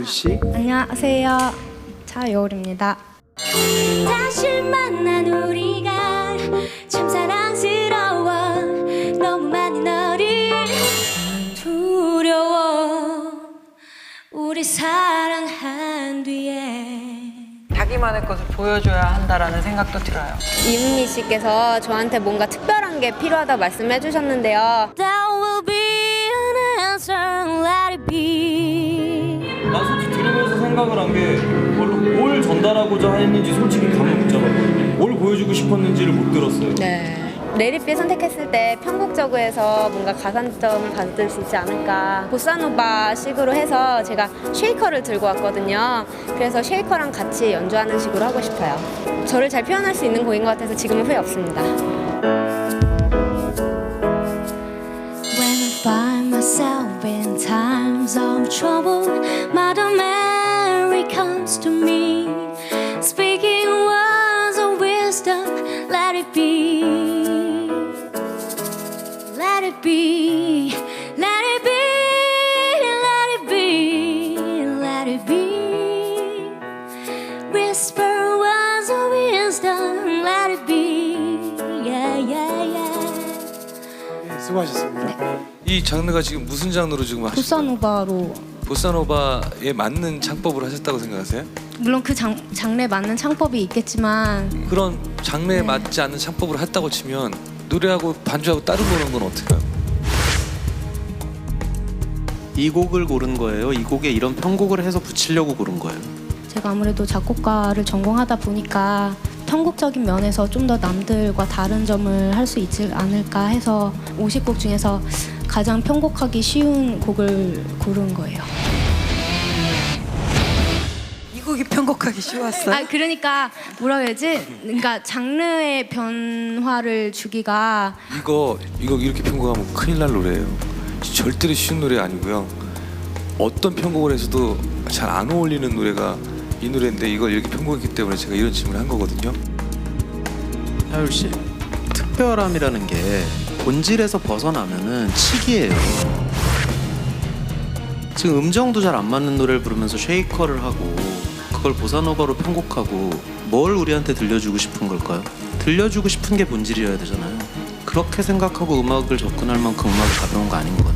씨. 안녕하세요. 차여울입니다. 다시 만난 우리가 참 사랑스러워. 너무 많이 너를 두려워. 우리 사랑한 뒤에 자기만의 것을 보여줘야 한다라는 생각도 들어요. 이은미 씨께서 저한테 뭔가 특별한 게 필요하다고 말씀해 주셨는데요. That will be an answer, let it be. 난 솔직히 들으면서 생각을 한 게 뭘 전달하고자 했는지 솔직히 감을 못 잡았거든요. 뭘 보여주고 싶었는지를 못 들었어요. 네. 레리비 선택했을 때 편곡적으로해서 뭔가 가산점을 받을 수 있지 않을까. 보사노바 식으로 해서 제가 쉐이커를 들고 왔거든요. 그래서 쉐이커랑 같이 연주하는 식으로 하고 싶어요. 저를 잘 표현할 수 있는 곡인 것 같아서 지금은 후회 없습니다. When I find myself in times of trouble, Mother Mary comes to me, speaking words of wisdom. Let it be, let it be, let it be, let it be, let it be. Whisper words of wisdom. Let it be, yeah, yeah, yeah. 수고하셨습니다. 이 장르가 지금 무슨 장르로 지금 하시는 거예요? 보사노바로. 보사노바에 맞는 창법을 하셨다고 생각하세요? 물론 그 장르에 맞는 창법이 있겠지만 그런 장르에 맞지 않는 창법을 했다고 치면 노래하고 반주하고 다른 거는 건 어떻게 해요? 이 곡을 고른 거예요? 이 곡에 이런 편곡을 해서 붙이려고 고른 거예요? 제가 아무래도 작곡가를 전공하다 보니까 편곡적인 면에서 좀 더 남들과 다른 점을 할 수 있지 않을까 해서 50곡 중에서 가장 편곡하기 쉬운 곡을 고른 거예요. 이 곡이 편곡하기 쉬웠어요? 아 그러니까 뭐라 해야지? 그러니까 장르의 변화를 주기가 이거 이렇게 편곡하면 큰일 날 노래예요. 절대로 쉬운 노래 아니고요. 어떤 편곡을 해서도 잘 안 어울리는 노래가 이 노래인데 이걸 이렇게 편곡했기 때문에 제가 이런 질문을 한 거거든요. 하율 씨, 특별함이라는 게 본질에서 벗어나면은 치기예요. 지금 음정도 잘 안 맞는 노래를 부르면서 쉐이커를 하고 그걸 보사노바로 편곡하고 뭘 우리한테 들려주고 싶은 걸까요? 들려주고 싶은 게 본질이어야 되잖아요. 그렇게 생각하고 음악을 접근할 만큼 음악이 가벼운 거 아닌 것 같아요.